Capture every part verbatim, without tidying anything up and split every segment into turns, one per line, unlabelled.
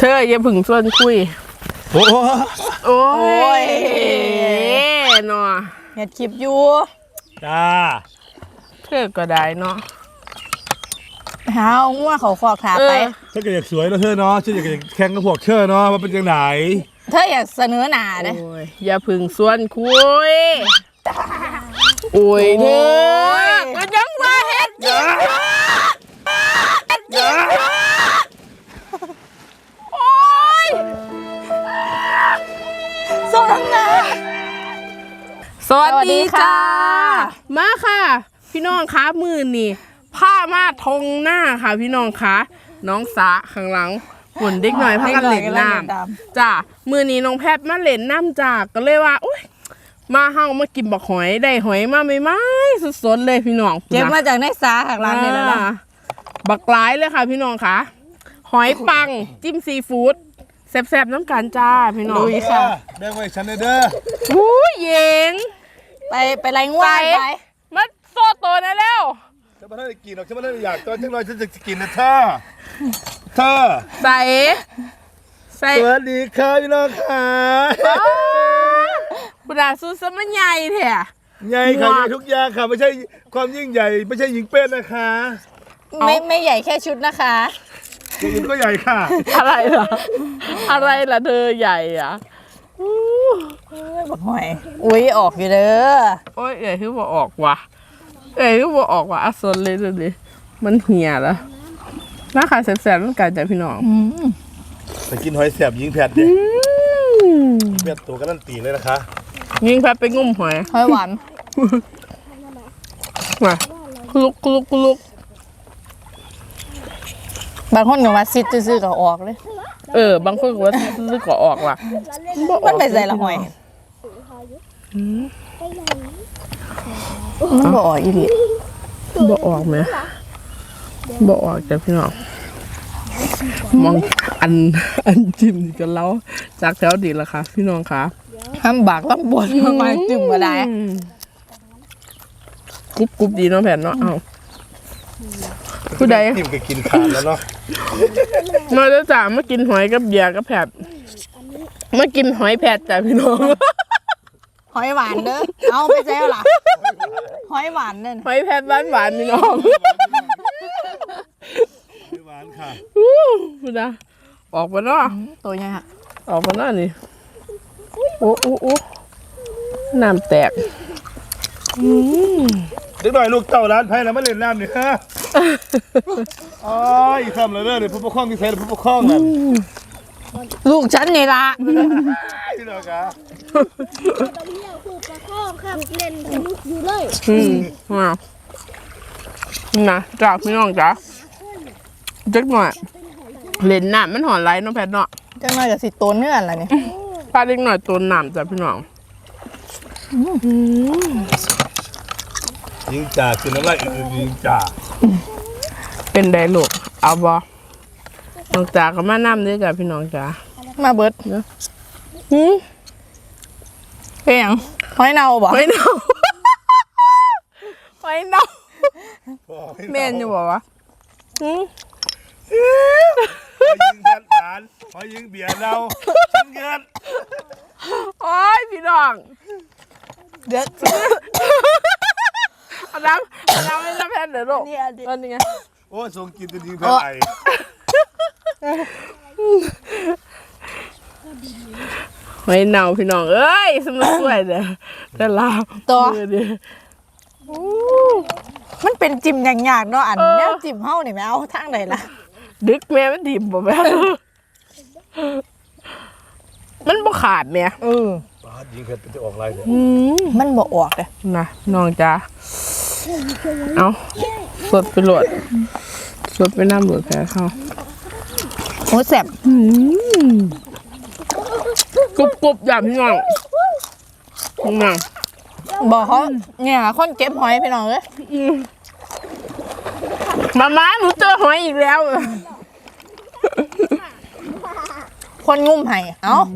ออย่าผึ่งส่วนคุย
โอ้
โอ้ยเนาะ
เห็ดคลิปอยู่
จ้า
เธอก็ได้เนาะ
หาง่วเขาขอกขาไป
ฉันก็อยากสวยแล้วเธอเนาะฉันอยากแข่งกับพวกเธอเนาะว่าเป็นยังไง
เธออยากเสนอหน้าเด้
อย่าผึ่งส่วนคุยโอ้ยเธอก็ยังมาเฮ็ดจริงเฮ็ดจริงโอ้ย
ส่งน้ำหน้า
สวัสดีค่ะมาค่ะพี่น้องคะมือนี่ผ้ามาทงหน้าค่ะพี่น้องคะน้องสาข้างหลังหุ่นเด็กหน่อยพักกันเล่นน้ำจ้ามือนี้น้องแพทมาเล่นน้ำจากก็เลยว่าอุ้ยมาเฮามากินบักหอยได้หอยมาไม่ไม่สดๆเลยพี่น้อง
เก็บมาจากในสาข้างหลังนี่แล้วนะ
บักหลายเลยค่ะพี่น้องคะหอยปังจิ้มซีฟู้ดแซ่บๆน้ำกันจ้าพี่น้อง
ลุยค่ะ
แบ่งไว้ฉันเด้อ
หูเย็ง
ไปไปไรง่วงไป
มาโซ่ตัวนะเร็ว
ฉันไม่ได้กินหรอกฉันไม่ได้อยากตอนฉันลอยฉันจะกินนะเธอเธอ
ใส่ใส่
สวัสดีค่ะพี่น้องค่ะ
คุณอาซูสมันใหญ่แท้
ใหญ่ค่ะใหญ่ทุกอย่างค่ะไม่ใช่ความยิ่งใหญ่ไม่ใช่หญิงเป็นนะคะ
ไม่ไม่ใหญ่แค่ชุดนะคะ
อย่างอื่นก็ใหญ่ค่ะ
อะไรล่ะอะไรล่ะเธอใหญ่อ่ะ
บักหอยอุ้ยออกอยู่เด้อ
โอ้ยเอ๋ยคือบอกออกว่ะเอ๋ยคือบอกออกว่ะอัศนเลยดูดิมันเหี่ยแล้วน่าขายแสบๆต้องการใจพี่น้อง
ไปกินหอยแสบยิงแผดดิแผดตัวกันนั่นตีเลยนะคะ
ยิงแผดไปงุ่มหอย
หอยหวาน
มาคุลุกคุลุกคุลุก
บางคนก็ว่าซิดซื่อๆก็ออกเลย
เออบางคนก็ว่าซื้อก็ออกว่ะ
มันไปใส่ละหอยมันบ่ออกอีหลี
บ่ออกไหมบ่ออกจ้ะพี่น้องมองอันอันจิ้มกันแล้วจากแถวดีละค่ะพี่น้องค่ะ
ห้ามบากลำบวนทำไมจิ้มก็ได้
กรุบกรุบดีเนาะแผ่นเนาะเอาผู้ใด
จิ้มก็กินขาดแล้วเนาะ
มาแล้วจ้ามากินหอยกับเบียร์กับแผดมากินหอยแผดจ้ะพี่น้อง
หอยหวานเด้อเอาไปแซ่ล่ะหอยหวานเด้อ
หอยแผดหวานหวานพี่น้อง
หวานค่ะ
พูดนะออกมาเนาะ
ตัวใหญ่ฮะ
ออกมาเนาะนี่โอ้โอ้โอ้น้ำแตก
เด็กหน่อยลูกเต่าร้านไผ่แล้วมาเล่นน้ำนี่ฮะอ๋ออีกคำเลยเนี่ยผู้ปกครองที่ใช้ผู้ปกครองนั่น
ลูกฉันนี่ละ
พี่น้องคะ
ตอนนี้เราผู้ปกครองครับเล่นสนุกอยู่เลย
อืมมานะจ้าพี่น้องจ้าเด็กหน่อยเล่นน้ำมันหอนไรน้องแพทเนาะ
จังหน่อยกับสิตัวเนื้ออะไรเนี่ย
พาเด็กหน่อยตัวน้ำจ้ะพี่น้อง
ยิงจ่าคือน้ำลายอื่นยิงจ่า
เป็นไดลูกเอาบอน้องจ่าก็มาน้ำด้วยจ้ะพี่น้องจ้า
มาเบิดเนาะหืมเป็นยังหอยเน่าบ่
หอยเน่าหอยเน่าเมนอยู่บ่วะหืม
หอยยิงแทนหวานหอยยิงเบียร์เราชิมเงิน
โอ้ยพี่น้อง
เด็ด
เอาน้ำเอาน้ำให้น้ำแพนเดี๋ยวลูกตอนนี้ไง
โอ้ส่งกินตัวยิงแพนไอ
หอยเน่าพี่น้องเอ้ยสมัยสวยเด้อแต่ลาว
ตัวมันเป็นจิ้มอย่างยากเนาะอันนี้จิ้มเฮ้านี่ไม่เอาทางไหนล่ะ
ดึกแม่มันดิ่มบ่แม่มันบ่ขาดแม่
เออ
ปาดยิงแพนจะออกอะไรเนี่ย
มันบ่ออกเลย
นะน้องจ้าเอาสดไปโหลดสดไปน้ำโหลดแพ้เขา
โอ้แซ่บ
กรุบกรุบอย่างพี่น้องน้อง
บอกเขาเนี่ยคนเก็บหอยพี่น้องเลย
มาม้าหนูเจอหอยอีกแล้ว
คนงุ่มไห่เอ้า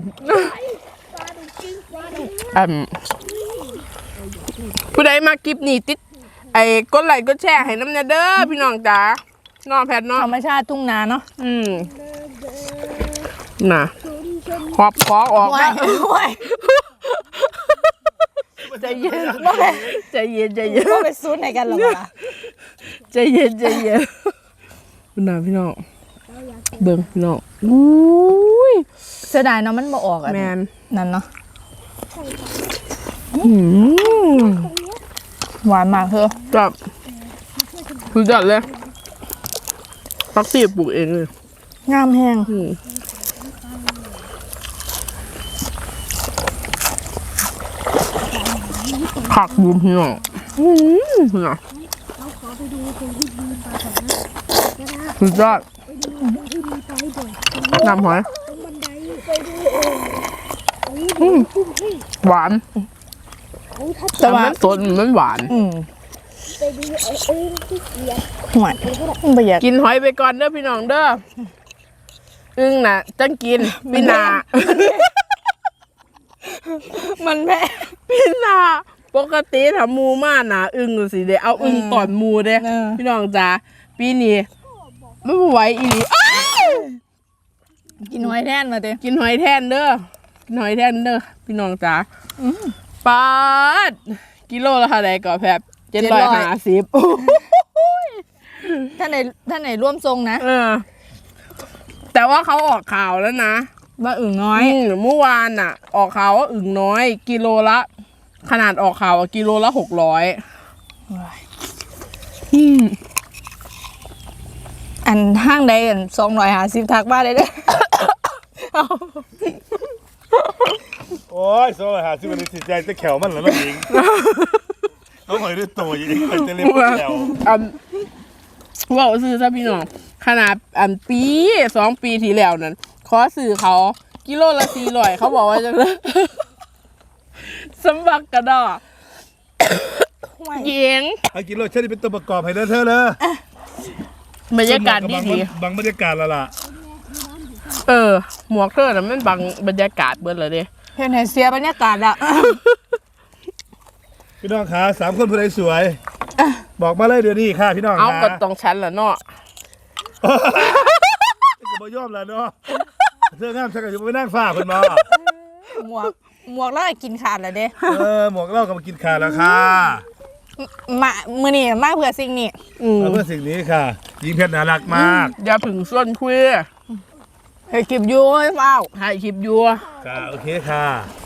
อืมผู้ใดมากิบนี่ติดไอ้กดไลค์กดแชร์ให้น้ำเนเด้อพี่น้องจ๋าน้องแพทน้อง
ธรรมชาติทุ่งนาเนาะ
อืมน่ะขอบคอออก
โอ้ย
นะ
โอ้ย
ใจเย็นใจเย็นใจเย็น
ก็ไปซูนไหนกันหรอวะ
ใจเย็นใจเย็นพี่น้องพี่น้องเบิ่งพี่น้องอุ้ย
เสียดายเนาะมันบ่ออกอ่ะ
แมน
นั่นเนาะ
อืม
หวานมากเธอ
แบบคือจัดเลยพักตีปลูกเองเลย
งามแห้ง
อืมผักบุ้มพี่น้องอืมพี่น้องคือจัดน้ำหอย
บันไดไปดู
อืมหวาน
แต่ว่า
มันสดมันหวาน
อืม
ไปดูไอ้เอิ้งที่เสีย
หวานมันประหยัด
กินหอยไปก่อนเด้อพี่น้องเด้ออึ้งน่ะจังกินพี่นา
มันแพ้
พี่นาปกติถ้าหมูมาหนาอึ้งดูสิเด้เอาอึ้งตอนหมูเด้
เออ
พี่น้องจ๋าปีนี้ไม่ไหวอีหลีอ้าว
กินหอยแทนมาเต้
กินหอยแทนเด้อกินหอยแทนเด้อพี่น้องจ๋าปาดกิโลละเท่าไหร่ก่อแพบเจ็ดร้อยห้าสิบ
ท่านไหนท่านไหนร่วมทรงนะ
เออ แต่ว่าเขาออกข่าวแล้วนะ
ว่าอึ่งน้อย
อืมเมื่อวานน่ะ ออกข่าวว่าอึ่งน้อย กิโลละ ขนาดออกข่าวอะกิโลละหกร้อยอืม
อันห้างใดอันสองร้อยห้าสิบทักมาเลยเด้อ
โอ้ยโซ่หาซื้อมันสิใจจะแขวมันแล้วมันเองต้องหอยด้วยตัวอย่างนี้จะเล่นแขว
อันว่าซื้อซะพี่น้องขนาดอันปีสองปีที่แล้วนั้นขอซื้อเขากิโลละสี่ร้อยเขาบอกว่าจะ สำบักกระดอกเยิง
ไอ้กินรสชาติเป็นตัวประกอบให้เด้อเธอเลย
บรรยากาศดีดี
บางบรรยากาศและล่ะ
เออ หมวกเธอน่ะมันบังบรรยากาศเบิดเลยเด้
เห็นไหนเสียบรรยากาศละ
พี่น้องขาสามคนผู้ใดสวย บอกมาเลยเดี๋ยวนี้ค่ะพี่น้อง
เอา
ขา
ก็ต้องชั้นละเนาะ
จะมายอมแล้วเนาะเธองามชักอยู่ไปนั่งฟ้าเพิ่นมา
หมวกหมวกแล้วกินขาดแล้วเด้
เออหมวกเหล่าก็มากินขาแล้วค่ะ
มามือนี่มาเพื่อสิ่งนี้
อืม
เอาเพื่อสิ่งนี้ค่ะยิงเพชรน่ารักมาก
อย่าผึ่งส่วนคุย
ให้คลิปอยู่ให้เฝ้า
ถ่ายคลิปอยู่
ค่ะโอเคค่ะ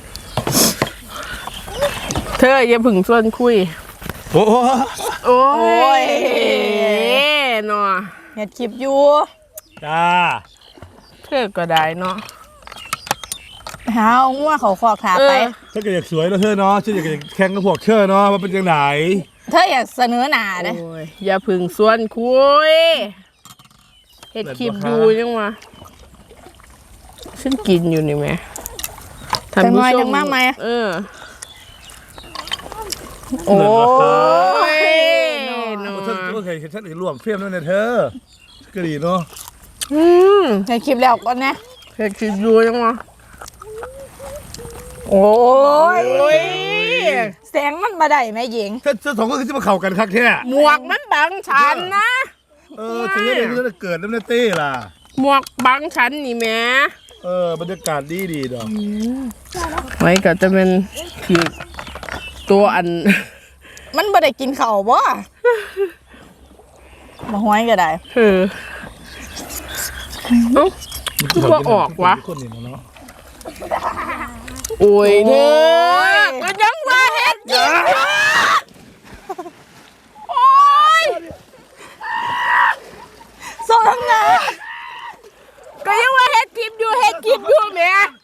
เธออย่าผึ่งส่วนคุย
โอ้โห
โอ้
โอ้ย
เนาะ
เห็ดคลิปอยู่
จ้า
เธอก็ได้เนาะ
หาเอางัวเขาคอกขาไป
เออ
ถ้าเกิดอยากสวยแล้วเธอเนาะฉันอยากจะแข่งกับพวกเธอเนาะว่าเป็นยังไง
เธออยากเสนอหน้าเด้
โอ้ยอย่าผึ่งส่วนคุยเฮ็ดคลิปอยู่ยังวะฉันกินอยู่นี่แม่ท่าน
จัง
ผู้
น้อย
ช
จังมากไหม
เออ โอ้ย
เนาะ
เนาะ
ฉันก็เคยฉันเคยร่วมเฟรมด้วยนะเธอก็ดีเนาะ
อืม
ในคลิปแล้วก่อนนะ
เฮ็ดคลิปอยู่ยังวะ
โอ้ย
โอ้ย
แสงมันมาได้ไหมหญิง
ถ้าเธอสองคนคือจะมาเข่ากันคักแท้
หมวกมันบังฉันนะ
เออเธอเนี่ยเรื่องเกิดน้ำเนเต้ล่ะ
หมวกบังฉันนี่แหม่
เออบรรยากาศดีดีดอก
ไว้ก็จะเป็นคือตัวอัน
มันบ่ได้กินข้าวบ่มาห้อยก็ได้
เออเอ้า คือว่าออกวะ
คนนี่เนาะ
โอ้ยเธอ
โอ้ย
ก็ยังมาเฮ็ดกินอยู่โอ้ย
ส่งทางหน้า
ก็ยังว่าเฮ็ดคลิปอยู่เฮ็ดคลิปอยู่แหม่